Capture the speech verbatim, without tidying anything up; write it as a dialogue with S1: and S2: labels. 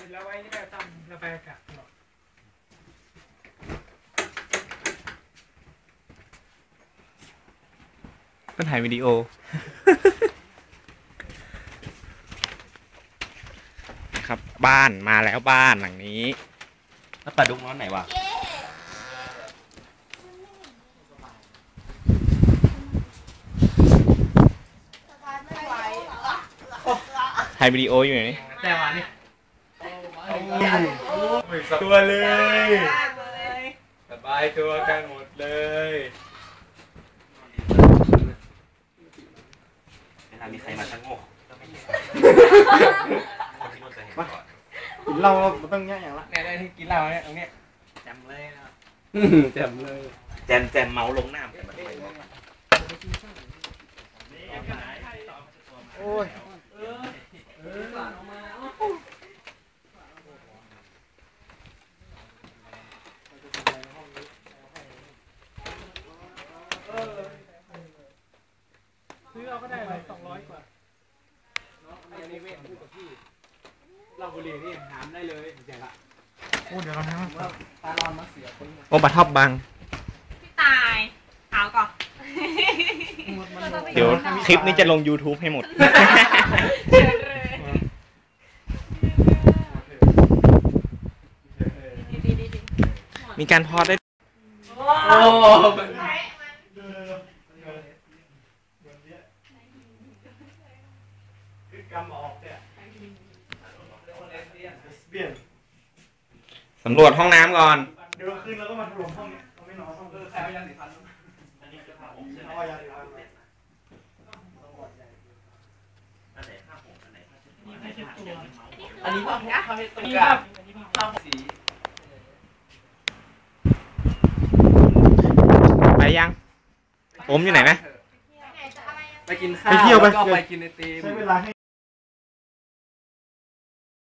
S1: แล้วไว้นี่ก็ทำระบายอากาศตลอด
S2: ก็ถ่ายวิดีโอ ครับบ้านมาแล้วบ้านหลังนี้แล้วปลาดุกนอนไหนวะถ่ายวิดีโออยู่ไหน
S1: แต่วันนี้
S2: ตัวเลยสบายตัวกันหมดเลยเวลามีใครมาชักโง่ก็ไม่เห็นคนที่นู่นจะเห็นก่อน
S3: กินเหล้าเราต้องแย่อย่างละ
S1: เนี่ยได้ที่กินเหล้าเนี่ยตรงนี้แจมเลยนะ
S3: แจ่มเลย
S2: แจมแจมเมาลงน้ำ
S3: โอ้ย
S1: ซื้อเราก็ได้เลยสองร้อยกว่าอันนี้เว้ยพูดกับพี่เราบุหรี่นี่หามได้เลยเดี๋ยวละโอ้เดี๋ยวเราเนี่ยตาลอนมาเสียคน
S2: โอ้ปลาท็อปบัง
S4: พี่ตายเอาก่อน
S2: เดี๋ยวคลิปนี้จะลง ยูทูบ ให้หมดมีการพอดได้
S1: โอ้
S2: สำรวจห้องน้ำก่อน
S3: เดี๋ยวคืนเราก็มาถล่มห้องนี้เราไม่นอนห้องเออใครเอายาสีฟันอันนี้จะพาผมเอายาสีฟัน
S1: อันนี้ผ้าผ้าผ้าตรงกลางผ้าสี
S2: ไปยังผมอยู่ไหนนะ
S1: ไปกินข้าวแล้วก็ไปกินไอติม